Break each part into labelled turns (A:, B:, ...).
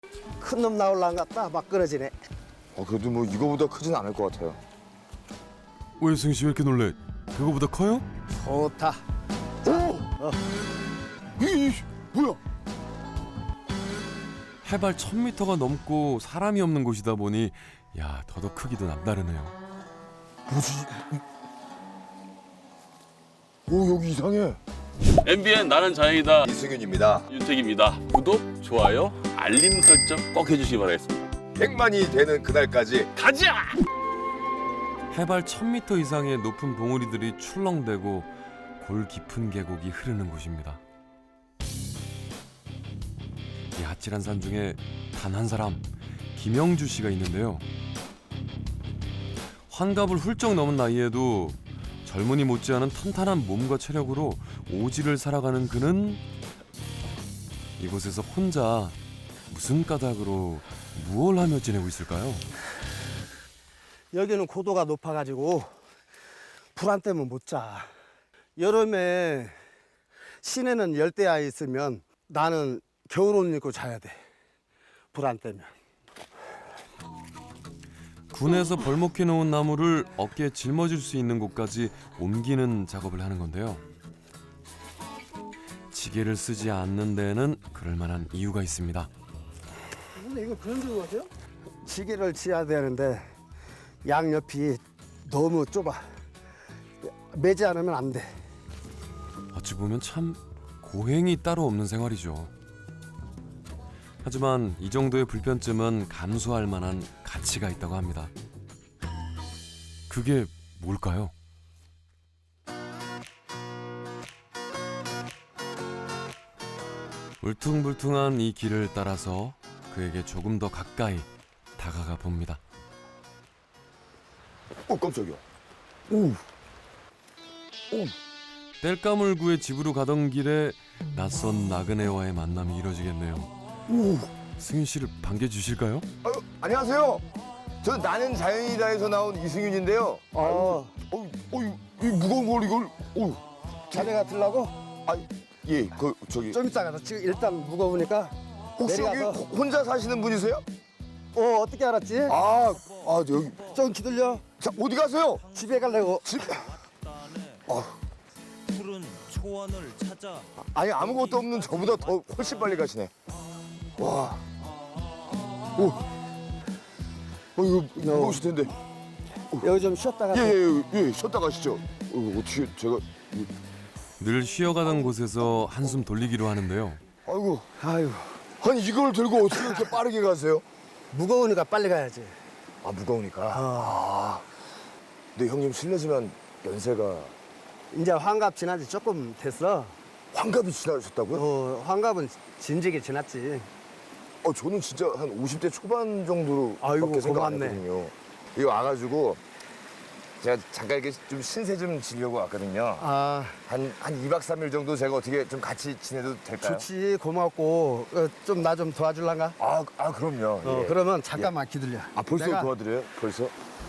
A: 큰 놈 나올란 같다 막 끊어지네.
B: 그래도 뭐 이거보다 크진 않을 것 같아요.
C: 왜 승희 씨 왜 이렇게 놀래? 그거보다 커요?
A: 좋다.
B: 뭐야?
C: 해발 1000m가 넘고 사람이 없는 곳이다 보니 야 더더 크기도 남다르네요.
B: 뭐지? 오, 여기 이상해.
D: MBN 나는 자연이다.
B: 이승윤입니다.
D: 윤택입니다. 구독, 좋아요, 알림 설정 꼭 해주시기 바라겠습니다.
B: 100만이 되는 그날까지
D: 가자!
C: 해발 1000m 이상의 높은 봉우리들이 출렁대고 골 깊은 계곡이 흐르는 곳입니다. 이 아찔한 산 중에 단 한 사람, 김영주 씨가 있는데요. 환갑을 훌쩍 넘은 나이에도 젊은이 못지않은 탄탄한 몸과 체력으로 오지를 살아가는 그는 이곳에서 혼자 무슨 까닭으로 무얼 하며 지내고 있을까요?
A: 여기는 고도가 높아가지고 불안 때문에 못 자. 여름에 시내는 열대야에 있으면 나는 겨울옷 입고 자야 돼. 불안 때문에.
C: 군에서 벌목해 놓은 나무를 어깨에 짊어질 수 있는 곳까지 옮기는 작업을 하는 건데요. 지게를 쓰지 않는 데에는 그럴 만한 이유가 있습니다.
A: 근데 이거 그런 줄 아세요? 지게를 지어야 되는데 양옆이 너무 좁아. 매지 않으면 안 돼.
C: 어찌 보면 참 고행이 따로 없는 생활이죠. 하지만 이 정도의 불편쯤은 감수할 만한 가치가 있다고 합니다. 그게 뭘까요? 울퉁불퉁한 이 길을 따라서 그에게 조금 더 가까이 다가가 봅니다.
B: 깜짝이야.
C: 땔감을구의 집으로 가던 길에 낯선 나그네와의 만남이 이뤄지겠네요. 승윤 씨를 반겨주실까요?
B: 안녕하세요. 저 나는 자연이다에서 나온 이승윤인데요. 이 무거운 걸 이걸.
A: 자네가 들라고?
B: 예, 저기
A: 좀 이따 가서 지금 일단 무거우니까
B: 혹시 여기
A: 내려가서.
B: 혼자 사시는 분이세요?
A: 어떻게 알았지?
B: 여기.
A: 좀 기다려.
B: 자, 어디 가세요?
A: 집에 가려고.
B: 집.
E: 푸른 초원을 찾아
B: 아니 아무것도 없는 저보다 더 훨씬 빨리 가시네. 와. 이거 무거우실 텐데.
A: 여기 좀 쉬었다가.
B: 예, 쉬었다 가시죠. 어떻게 제가.
C: 늘 쉬어가던 곳에서 한숨 돌리기로 하는데요.
B: 아이고.
A: 아유,
B: 아니 이걸 들고 어떻게 이렇게 빠르게 가세요?
A: 무거우니까 빨리 가야지.
B: 무거우니까. 근데 형님 실례지만 연세가
A: 이제 환갑 지난 지 조금 됐어.
B: 환갑이 지나셨다고요?
A: 환갑은 진즉에 지났지.
B: 저는 진짜 한 50대 초반 정도로
A: 아이고,
B: 밖에 생각 안
A: 고맙네.
B: 했거든요. 여기 와가지고 제가 잠깐 이렇게 좀 신세 좀 지려고 왔거든요. 한 2박 3일 정도 제가 어떻게 좀 같이 지내도 될까요?
A: 좋지, 고맙고. 좀 나 좀 도와줄란가?
B: 그럼요. 예.
A: 그러면 잠깐만 기다려.
B: 벌써
A: 내가
B: 도와드려요? 벌써?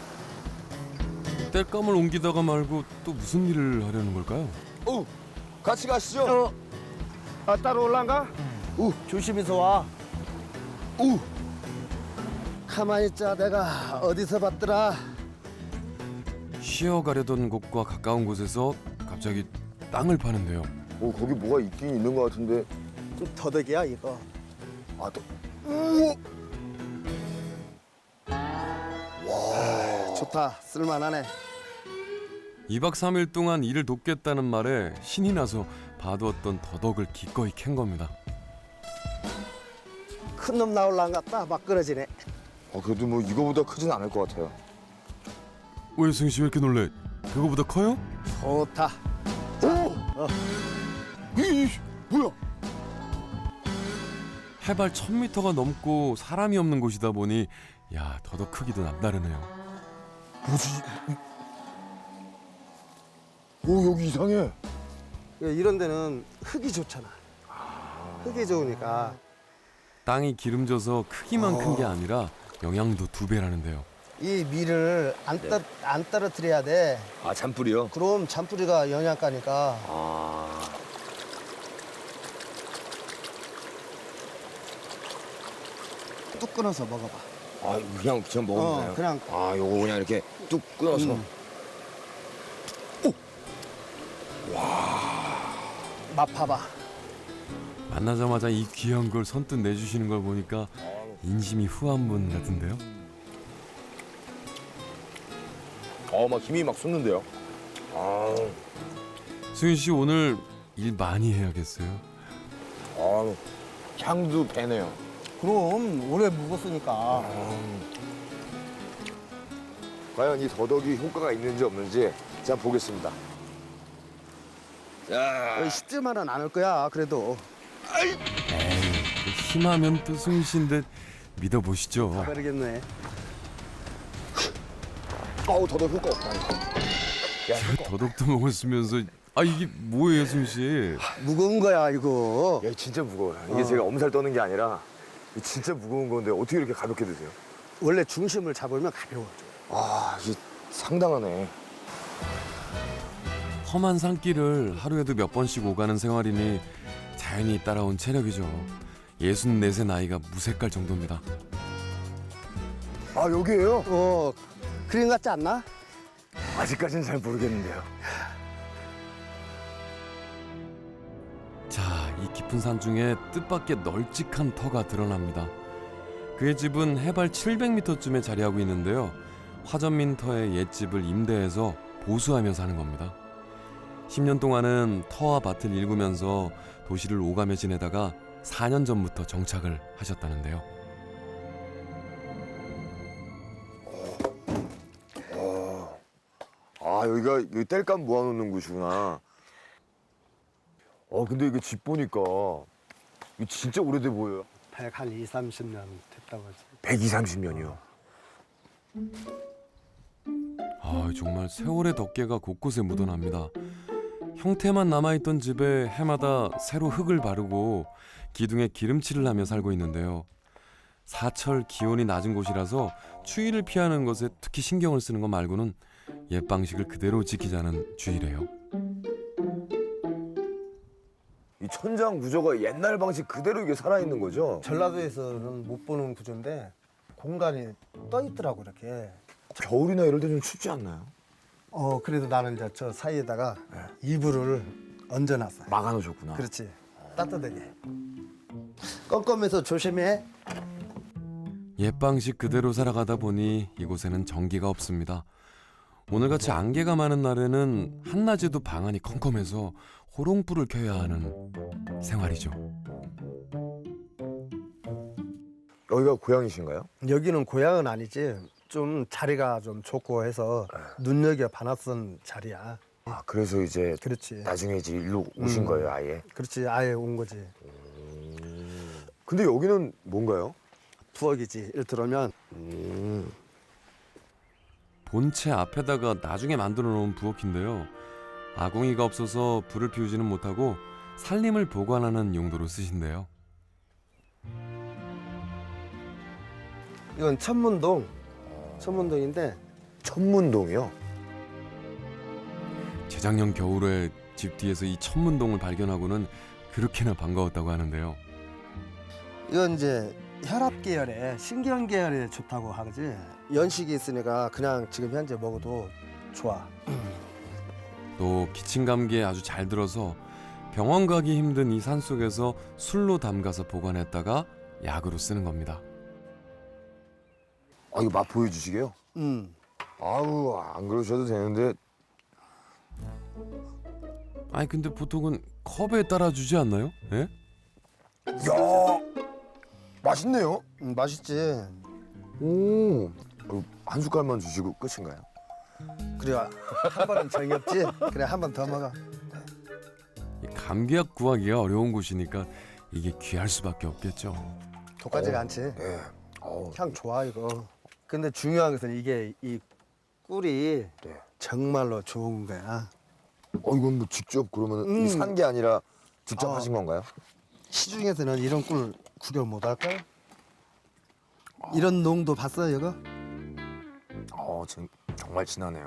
C: 땔감을 옮기다가 말고 또 무슨 일을 하려는 걸까요?
B: 같이 가시죠.
A: 따로 올란가? 조심해서 와. 가만히 있자. 내가 어디서 봤더라.
C: 쉬어가려던 곳과 가까운 곳에서 갑자기 땅을 파는데요.
B: 거기 뭐가 있긴 있는 것 같은데.
A: 좀 더덕이야 이거. 좋다. 쓸만하네.
C: 2박 3일 동안 일을 돕겠다는 말에 신이 나서 봐두었던 더덕을 기꺼이 캔 겁니다.
A: 큰 놈 나올란 같다 막 끊어지네.
B: 그래도 뭐 이거보다 크진 않을 것 같아요.
C: 왜 승희 씨 왜 이렇게 놀래? 그거보다 커요?
A: 좋다.
B: 뭐야?
C: 해발 1000m가 넘고 사람이 없는 곳이다 보니 야 더더 크기도 남다르네요.
B: 뭐지? 여기 이상해.
A: 이런 데는 흙이 좋잖아. 흙이 좋으니까.
C: 땅이 기름져서 크기만 큰 게 아니라 영양도 2배라는데요.
A: 이 밀을 안 떨어뜨려야 돼.
B: 잔뿌리요?
A: 그럼 잔뿌리가 영양가니까. 뚝 끊어서 먹어봐.
B: 아, 그냥 먹으면 돼요?
A: 그냥.
B: 아, 요거 그냥 이렇게 뚝 끊어서.
A: 맛 봐봐.
C: 만나자마자 이 귀한 걸 선뜻 내주시는 걸 보니까 인심이 후한 분 같은데요.
B: 막 힘이 막 솟는데요. 아,
C: 수윤 씨 오늘 일 많이 해야겠어요.
B: 향도 배네요.
A: 그럼 오래 묵었으니까.
B: 과연 이 더덕이 효과가 있는지 없는지 자 보겠습니다. 자,
A: 쉽지만은 않을 거야. 그래도
C: 에이, 또 힘하면 또 수윤 씨인데 믿어보시죠.
A: 그러겠네.
B: 더덕 효과 없다.
C: 더덕도 먹었으면서 이게 뭐예요, 수윤 씨?
A: 무거운 거야 이거.
B: 야, 진짜 무거워요. 이게 제가 엄살 떠는 게 아니라 진짜 무거운 건데 어떻게 이렇게 가볍게 드세요?
A: 원래 중심을 잡으면 가벼워.
B: 아, 이게 상당하네.
C: 험한 산길을 하루에도 몇 번씩 오가는 생활이니 자연히 따라온 체력이죠. 64세 나이가 무색할 정도입니다.
B: 아, 여기에요?
A: 그림 같지 않나?
B: 아직까지는 잘 모르겠는데요.
C: 자, 이 깊은 산 중에 뜻밖의 널찍한 터가 드러납니다. 그의 집은 해발 700m쯤에 자리하고 있는데요. 화전민 터의 옛집을 임대해서 보수하며 사는 겁니다. 10년 동안은 터와 밭을 일구면서 도시를 오가며 지내다가 4년 전부터 정착을 하셨다는데요.
B: 아, 여기가 여기 땔감 모아놓는 곳이구나. 근데 이게 집 보니까 이거 진짜 오래돼 보여요.
A: 한 2, 30년 됐다고 하지.
B: 120~30년이요.
C: 정말 세월의 덮개가 곳곳에 묻어납니다. 형태만 남아있던 집에 해마다 새로 흙을 바르고 기둥에 기름칠을 하며 살고 있는데요. 사철 기온이 낮은 곳이라서 추위를 피하는 것에 특히 신경을 쓰는 것 말고는 옛 방식을 그대로 지키자는 주의래요.
B: 이 천장 구조가 옛날 방식 그대로 이게 살아있는 거죠?
A: 전라도에서는 못 보는 구조인데 공간이 떠 있더라고 이렇게.
B: 겨울이나 이럴 때 좀 춥지 않나요?
A: 그래도 나는 이제 저 사이에다가 이불을 얹어놨어.
B: 막아놓으셨구나.
A: 그렇지. 따뜻하게. 껌껌해서 조심해.
C: 옛 방식 그대로 살아가다 보니 이곳에는 전기가 없습니다. 오늘같이 안개가 많은 날에는 한낮에도 방안이 컴컴해서 호롱불을 켜야 하는 생활이죠.
B: 여기가 고향이신가요?
A: 여기는 고향은 아니지. 좀 자리가 좀 좋고 해서 눈여겨 봐놨던 자리야.
B: 아, 그래서 이제
A: 그렇지.
B: 나중에 이제 일로 오신 거예요, 아예?
A: 그렇지. 아예 온 거지.
B: 근데 여기는 뭔가요?
A: 부엌이지. 일 들어오면
C: 본체 앞에다가 나중에 만들어 놓은 부엌인데요. 아궁이가 없어서 불을 피우지는 못하고 살림을 보관하는 용도로 쓰신대요.
A: 이건 천문동. 천문동인데
B: 천문동이요?
C: 재작년 겨울에 집 뒤에서 이 천문동을 발견하고는 그렇게나 반가웠다고 하는데요.
A: 이건 이제 혈압 계열에 신경 계열에 좋다고 하지. 연식이 있으니까 그냥 지금 현재 먹어도 좋아.
C: 또 기침 감기에 아주 잘 들어서 병원 가기 힘든 이 산속에서 술로 담가서 보관했다가 약으로 쓰는 겁니다.
B: 아, 이거 맛 보여주시게요? 아우, 안 그러셔도 되는데.
C: 아니 근데 보통은 컵에 따라주지 않나요? 예?
B: 야, 맛있네요.
A: 맛있지.
B: 오, 한 숟갈만 주시고 끝인가요?
A: 그래 한 번은 정이 없지. 그래 한 번 더 먹어.
C: 이 감기약 구하기가 어려운 곳이니까 이게 귀할 수밖에 없겠죠.
A: 독하지가 않지.
B: 네.
A: 향 좋아 이거. 근데 중요한 것은 이게 이 꿀이
B: 네.
A: 정말로 좋은 거야.
B: 이건 뭐 직접 그러면 산 게 아니라 직접 하신 건가요?
A: 시중에서는 이런 꿀 구경 못 할걸? 이런 농도 봤어 이거?
B: 정말 진하네요.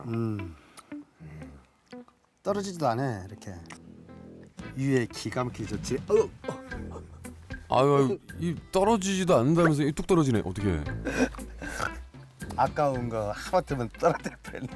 A: 떨어지지도 않아 이렇게. 위에 기가 막히게 좋지.
C: 아유, 이 떨어지지도 않는다면서 이 뚝 떨어지네. 어떻게?
A: 아까운 거 하마터면 떨어뜨릴 뻔했네.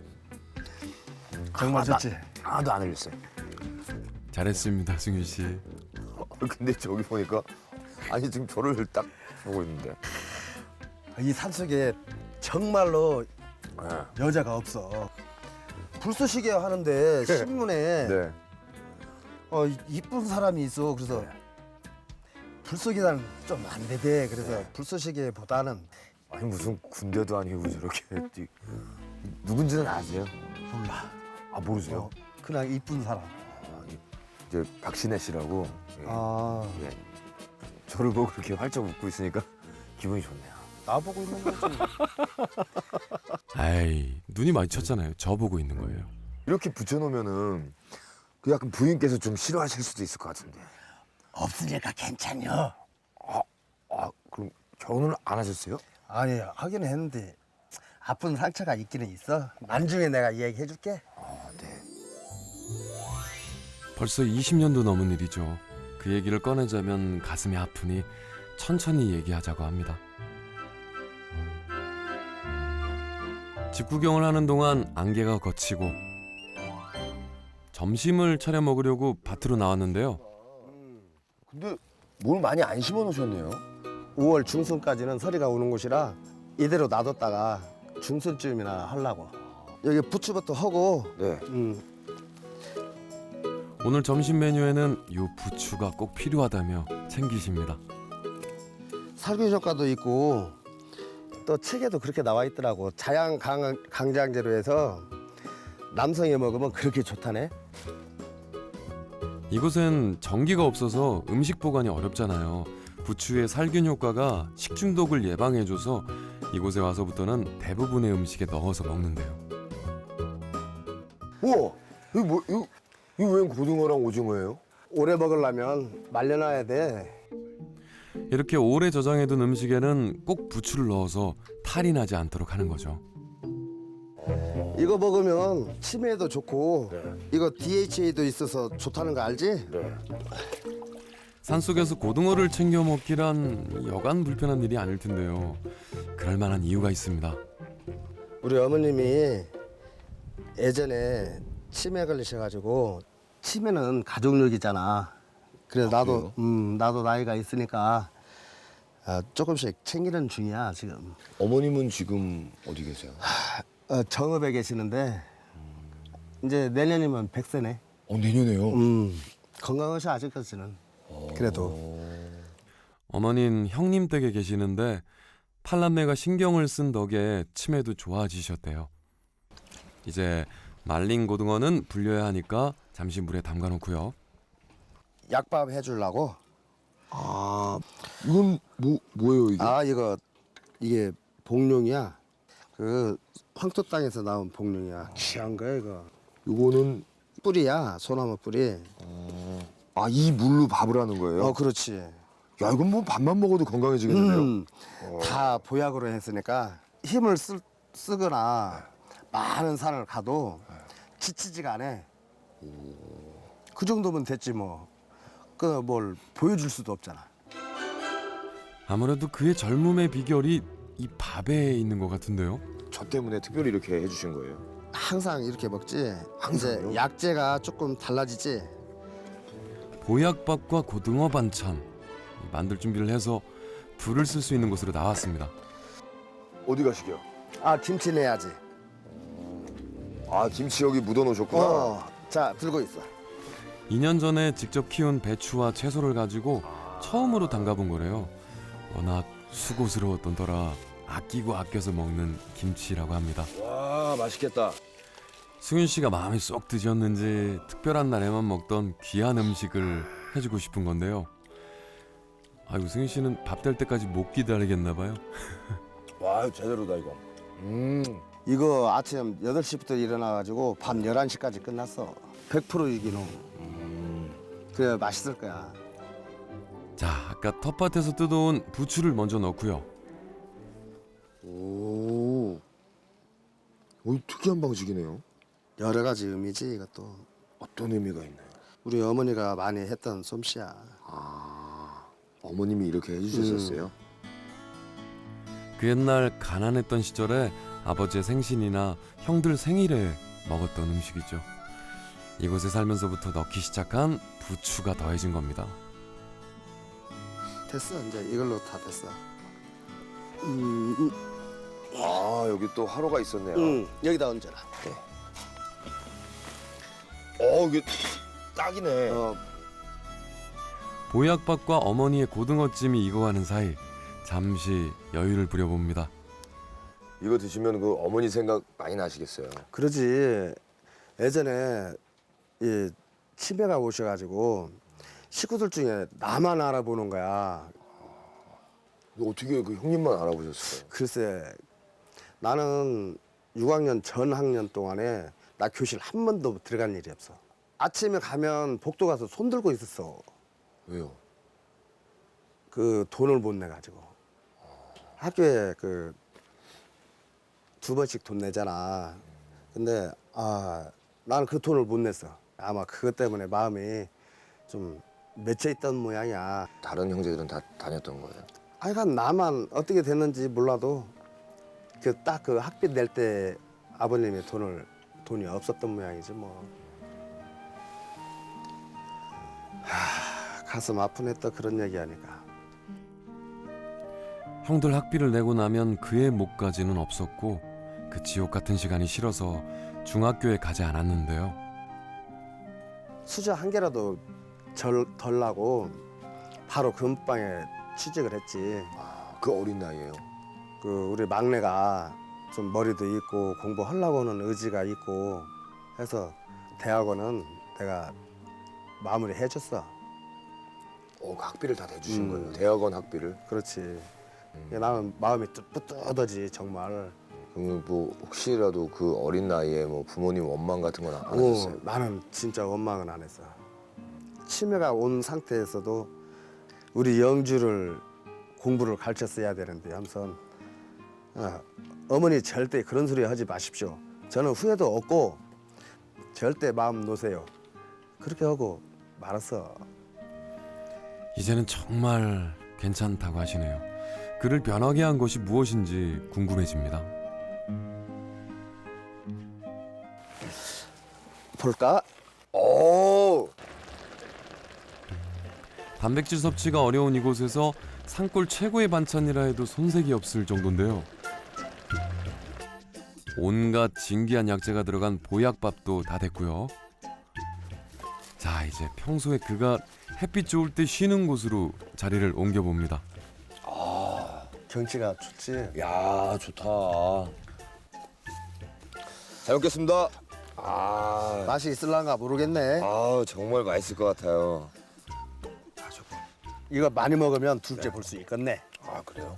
A: 정말 좋지?
B: 하나도 안 흘렸어요.
C: 잘했습니다, 승윤 씨.
B: 근데 저기 보니까 아니 지금 저를 딱 보고 있는데.
A: 이 산속에 정말로
B: 네.
A: 여자가 없어. 불쏘시개 하는데 신문에
B: 네.
A: 이쁜 사람이 있어. 그래서 불쏘기는 좀 안 되대. 그래서 불쏘시개보다는
B: 아니 무슨 군대도 아니고 저렇게 누군지는 아세요?
A: 몰라.
B: 아 모르세요?
A: 그냥 이쁜 사람.
B: 이제 박신혜 씨라고. 예.
A: 아,
B: 예. 저를 보고 그렇게 활짝 웃고 있으니까 기분이 좋네요.
A: 나보고 있는 거지.
C: 아이, 눈이 마주쳤잖아요. 저 보고 있는 거예요.
B: 이렇게 붙여놓으면은 그 약간 부인께서 좀 싫어하실 수도 있을 것 같은데.
A: 없으니까 괜찮요.
B: 아 그럼 결혼을 안 하셨어요?
A: 아니, 하긴 했는데 아픈 상처가 있기는 있어. 나중에 내가 얘기해 줄게.
B: 아 네.
C: 벌써 20년도 넘은 일이죠. 그 얘기를 꺼내자면 가슴이 아프니 천천히 얘기하자고 합니다. 집 구경을 하는 동안 안개가 걷히고 점심을 차려 먹으려고 밭으로 나왔는데요.
B: 근데 뭘 많이 안 심어 놓으셨네요.
A: 5월 중순까지는 서리가 오는 곳이라 이대로 놔뒀다가 중순쯤이나 하려고. 여기 부추부터 하고.
B: 네.
C: 오늘 점심 메뉴에는 요 부추가 꼭 필요하다며 챙기십니다.
A: 살균 효과도 있고 또 책에도 그렇게 나와 있더라고. 자양 강장제로 해서 남성이 먹으면 그렇게 좋다네.
C: 이곳엔 전기가 없어서 음식 보관이 어렵잖아요. 부추의 살균 효과가 식중독을 예방해줘서 이곳에 와서부터는 대부분의 음식에 넣어서 먹는데요.
B: 우와 이거 뭐 이거 웬 고등어랑 오징어예요?
A: 오래 먹으려면 말려놔야 돼.
C: 이렇게 오래 저장해둔 음식에는 꼭 부추를 넣어서 탈이 나지 않도록 하는 거죠.
A: 이거 먹으면 치매에도 좋고
B: 네.
A: 이거 DHA도 있어서 좋다는 거 알지?
B: 네.
C: 산속에서 고등어를 챙겨 먹기란 여간 불편한 일이 아닐 텐데요. 그럴 만한 이유가 있습니다.
A: 우리 어머님이 예전에 치매 걸리셔가지고 치매는 가족력이잖아. 그래서 나도 나이가 있으니까 조금씩 챙기는 중이야 지금.
B: 어머님은 지금 어디 계세요?
A: 정읍에 계시는데 이제 내년이면 100세네.
B: 내년에요.
A: 건강하셔 아직까지는. 그래도
C: 어머닌 형님 댁에 계시는데 팔남매가 신경을 쓴 덕에 치매도 좋아지셨대요. 이제 말린 고등어는 불려야 하니까 잠시 물에 담가놓고요.
A: 약밥 해주려고.
B: 아 이건 뭐예요 이게?
A: 아 이게 복룡이야. 그 황토 땅에서 나온 복룡이야. 귀한 거야 이거.
B: 이거는
A: 뿌리야, 소나무 뿌리.
B: 아 이 물로 밥을 하는 거예요?
A: 그렇지.
B: 야 이건 뭐 밥만 먹어도 건강해지겠는데요?
A: 다 보약으로 했으니까 힘을 쓰거나 많은 산을 가도 지치지가 않아. 그 정도면 됐지 뭐. 그 뭘 보여줄 수도 없잖아.
C: 아무래도 그의 젊음의 비결이 이 밥에 있는 것 같은데요.
B: 저 때문에 특별히 이렇게 해주신 거예요?
A: 항상 이렇게 먹지.
B: 항상요?
A: 이제 약재가 조금 달라지지.
C: 보약밥과 고등어 반찬 만들 준비를 해서 불을 쓸 수 있는 곳으로 나왔습니다.
B: 어디 가시게요?
A: 김치 내야지.
B: 아 김치 여기 묻어 놓으셨구나.
A: 자 들고 있어.
C: 2년 전에 직접 키운 배추와 채소를 가지고 처음으로 담가본 거래요. 워낙 수고스러웠던 터라 아끼고 아껴서 먹는 김치라고 합니다.
B: 와 맛있겠다.
C: 승윤 씨가 마음에 쏙 드셨는지 특별한 날에만 먹던 귀한 음식을 해주고 싶은 건데요. 아이고 승윤 씨는 밥 될 때까지 못 기다리겠나 봐요.
B: 와 제대로다 이거.
A: 이거 아침 8시부터 일어나가지고 밤 11시까지 끝났어. 100% 유기농. 그래 맛있을 거야.
C: 자, 아까 텃밭에서 뜯어온 부추를 먼저 넣고요.
B: 오 특이한 방식이네요.
A: 여러 가지 의미지 이것도.
B: 어떤 의미가 있나요?
A: 우리 어머니가 많이 했던 솜씨야.
B: 어머님이 이렇게 해주셨었어요?
C: 그 옛날 가난했던 시절에 아버지의 생신이나 형들 생일에 먹었던 음식이죠. 이곳에 살면서부터 넣기 시작한 부추가 더해진 겁니다.
A: 됐어. 이제 이걸로 다 됐어.
B: 아 여기 또 화로가 있었네요.
A: 여기다 얹어라.
B: 이게 딱이네.
C: 보약밥과 어머니의 고등어찜이 익어가는 사이 잠시 여유를 부려봅니다.
B: 이거 드시면 그 어머니 생각 많이 나시겠어요.
A: 그러지. 예전에 이 치매가 오셔가지고 식구들 중에 나만 알아보는 거야.
B: 이거 어떻게 그 형님만 알아보셨어요?
A: 글쎄, 나는 6학년 전 학년 동안에 나 교실 한 번도 들어간 일이 없어. 아침에 가면 복도 가서 손 들고 있었어.
B: 왜요?
A: 그 돈을 못 내가지고. 학교에 그 2번씩 돈 내잖아. 근데 나는 그 돈을 못 냈어. 아마 그것 때문에 마음이 좀 맺혀 있던 모양이야.
B: 다른 형제들은 다 다녔던 거예요?
A: 하여간 나만 어떻게 됐는지 몰라도 그 딱 그 학비 낼 때 아버님의 돈이 없었던 모양이지 뭐. 가슴 아프네 또 그런 얘기하니까.
C: 형들 학비를 내고 나면 그의 목까지는 없었고 그 지옥 같은 시간이 싫어서 중학교에 가지 않았는데요.
A: 수저 한 개라도 덜 나고 바로 금방에 취직을 했지.
B: 그 어린 나이에요?
A: 그 우리 막내가 좀 머리도 있고 공부하려고 하는 의지가 있고 해서 대학원은 내가 마무리 해줬어.
B: 그 학비를 다 대주신 거예요? 대학원 학비를?
A: 그렇지. 나는 마음이 뿌듯하지 정말.
B: 그러면 뭐 혹시라도 그 어린 나이에 뭐 부모님 원망 같은 건 안 하셨어요?
A: 나는 진짜 원망은 안 했어. 치매가 온 상태에서도 우리 영주를 공부를 가르쳤어야 되는데 하면서 어머니 절대 그런 소리 하지 마십시오. 저는 후회도 없고 절대 마음 놓으세요. 그렇게 하고 말았어.
C: 이제는 정말 괜찮다고 하시네요. 그를 변하게 한 것이 무엇인지 궁금해집니다.
A: 볼까?
B: 오!
C: 단백질 섭취가 어려운 이곳에서 산골 최고의 반찬이라 해도 손색이 없을 정도인데요. 온갖 진귀한 약재가 들어간 보약밥도 다 됐고요. 자, 이제 평소에 그가 햇빛 좋을 때 쉬는 곳으로 자리를 옮겨봅니다.
A: 경치가 좋지.
B: 야 좋다. 잘 먹겠습니다.
A: 맛이 있을란가 모르겠네.
B: 정말 맛있을 것 같아요.
A: 이거 많이 먹으면 둘째 볼 수 있겠네.
B: 그래요?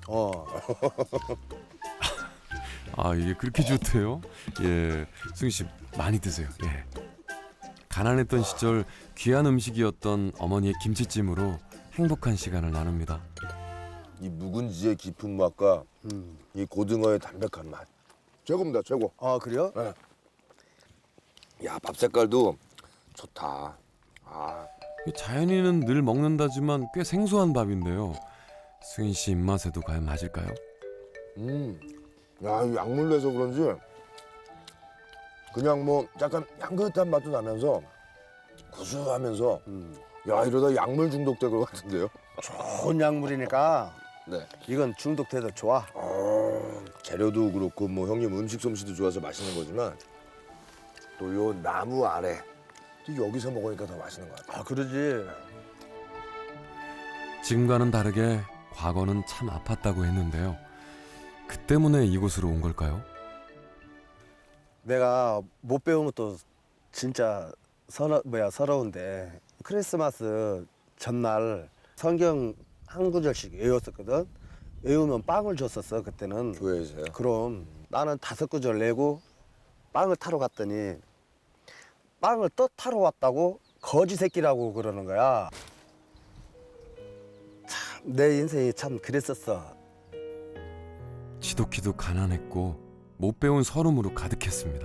C: 이게 그렇게 좋대요? 예, 승희 씨 많이 드세요. 예. 가난했던 시절 귀한 음식이었던 어머니의 김치찜으로 행복한 시간을 나눕니다.
B: 이 묵은지의 깊은 맛과 이 고등어의 담백한 맛 최고입니다, 최고.
A: 그래요?
B: 네. 야, 밥 색깔도 좋다.
C: 자연이는 늘 먹는다지만 꽤 생소한 밥인데요. 승희 씨 입맛에도 과연 맞을까요?
B: 야, 이 약물 내서 그런지 그냥 뭐 약간 향긋한 맛도 나면서 구수하면서 야, 이러다 약물 중독될 것 같은데요?
A: 좋은 약물이니까
B: 네.
A: 이건 중독돼도 좋아.
B: 재료도 그렇고 뭐 형님 음식 솜씨도 좋아서 맛있는 거지만 또 요 나무 아래 또 여기서 먹으니까 더 맛있는 것 같아요.
A: 그러지.
C: 지금과는 다르게 과거는 참 아팠다고 했는데요. 그 때문에 이곳으로 온 걸까요?
A: 내가 못 배운 것도 진짜 서러운데 크리스마스 전날 성경 한 구절씩 외웠었거든. 외우면 빵을 줬었어 그때는.
B: 교회에서요?
A: 그럼 나는 5구절 내고 빵을 타러 갔더니 빵을 또 타러 왔다고 거지 새끼라고 그러는 거야. 참 내 인생이 참 그랬었어.
C: 지독히도 가난했고 못 배운 서름으로 가득했습니다.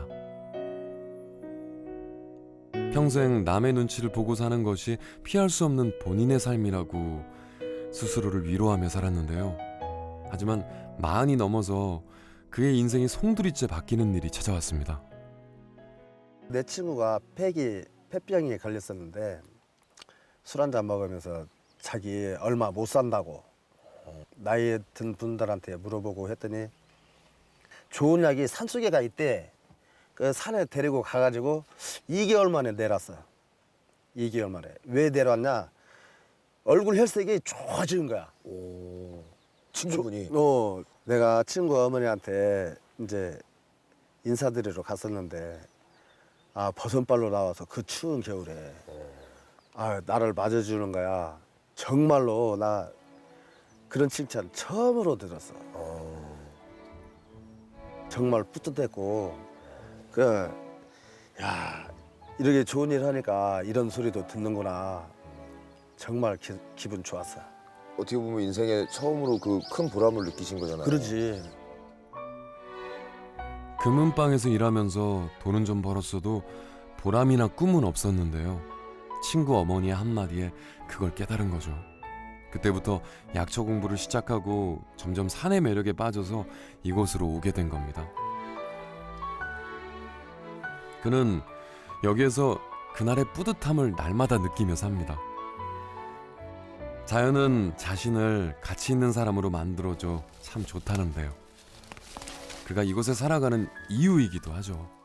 C: 평생 남의 눈치를 보고 사는 것이 피할 수 없는 본인의 삶이라고 스스로를 위로하며 살았는데요. 하지만 40이 넘어서 그의 인생이 송두리째 바뀌는 일이 찾아왔습니다.
A: 내 친구가 폐병에 걸렸었는데 술 한잔 먹으면서 자기 얼마 못 산다고 나이 든 분들한테 물어보고 했더니 좋은 약이 산속에가 있대. 그 산에 데리고 가가지고 2개월 만에 내놨어. 2개월 만에. 왜 내려왔냐? 얼굴 혈색이 좋아진 거야.
B: 친구분이.
A: 내가 친구 어머니한테 이제 인사드리러 갔었는데 버선발로 나와서 그 추운 겨울에 나를 맞아주는 거야. 정말로 나 그런 칭찬 처음으로 들었어. 정말 뿌듯했고 이렇게 좋은 일 하니까 이런 소리도 듣는구나. 정말 기분 좋았어.
B: 어떻게 보면 인생에 처음으로 그 큰 보람을 느끼신 거잖아요.
A: 그러지.
C: 금은방에서 일하면서 돈은 좀 벌었어도 보람이나 꿈은 없었는데요. 친구 어머니의 한마디에 그걸 깨달은 거죠. 그때부터 약초 공부를 시작하고 점점 산의 매력에 빠져서 이곳으로 오게 된 겁니다. 그는 여기에서 그날의 뿌듯함을 날마다 느끼며 삽니다. 자연은 자신을 가치 있는 사람으로 만들어줘 참 좋다는데요. 그가 이곳에 살아가는 이유이기도 하죠.